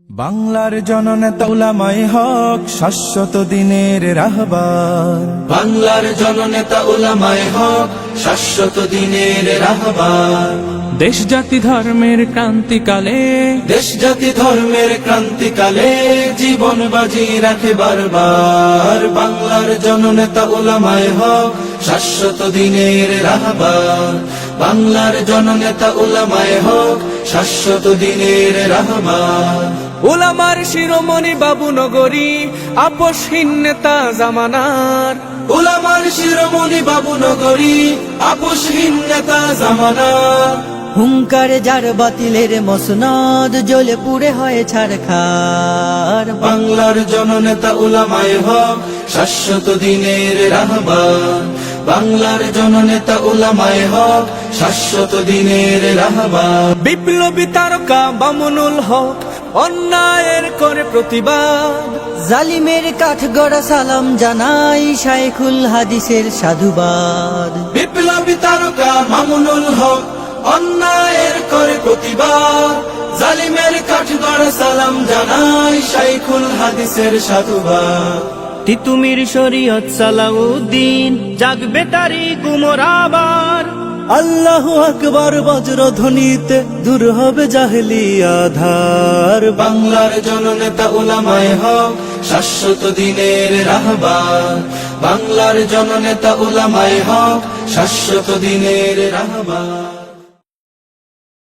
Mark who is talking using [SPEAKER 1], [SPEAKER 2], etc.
[SPEAKER 1] বাংলার জননেতা উলামায়ে হক শাশ্বত দিনের রাহবার।
[SPEAKER 2] বাংলার জননেতা উলামায়ে হক শাশ্বত দিনের রাহবার।
[SPEAKER 3] দেশ জাতি ধর্মের ক্রান্তিকালে,
[SPEAKER 2] দেশ জাতি ধর্মের ক্রান্তিকালে জীবন বাজি রাখে বারবার। বাংলার জননেতা উলামায়ে হক শাশ্বত দিনের রাহবার। বাংলার জননেতা উলামায়ে হক শাশ্বত দিনের রাহবার।
[SPEAKER 3] উলামার শিরোমণি বাবু নগরী, আপোষহীন নেতা জামানার।
[SPEAKER 2] উলামার শিরোমণি বাবু নগরী, আপোষহীন নেতা জামানার।
[SPEAKER 4] হুঙ্কারে যার বাতিলের মসনদ জ্বলে পুড়ে হয় ছারখার।
[SPEAKER 2] বাংলার জননেতা উলামায়ে হক শাশ্বত দিনের রাহবার। বাংলার জননেতা উলামায়ে হক শাশ্বত দিনের রাহবার।
[SPEAKER 3] বিপ্লবী তারকা মামুনুল হক অন্যায়ের করে প্রতিবাদ।
[SPEAKER 4] জালিমের কাঠগড়া সালাম জানাই শাইখুল হাদিসের সাধুবাদ।
[SPEAKER 2] বিপ্লবী তারকা মামুনুল হক অন্যায়ের করে প্রতিবাদ। জালিমের কাঠগড়া সালাম জানাই শাইখুল হাদিসের সাধুবাদ।
[SPEAKER 4] তিতুমির শরীয়ত সালাউদ্দিন জাগবে তারি কুমোর আবার। আল্লাহু আকবার বজ্রধ্বনিতে দূর হবে জাহেলি আধার।
[SPEAKER 2] বাংলার জননেতা উলামায়ে হক শাশ্বত দিনের রাহবার। বাংলার জননেতা উলামায়ে হক শাশ্বত দিনের রাহবার।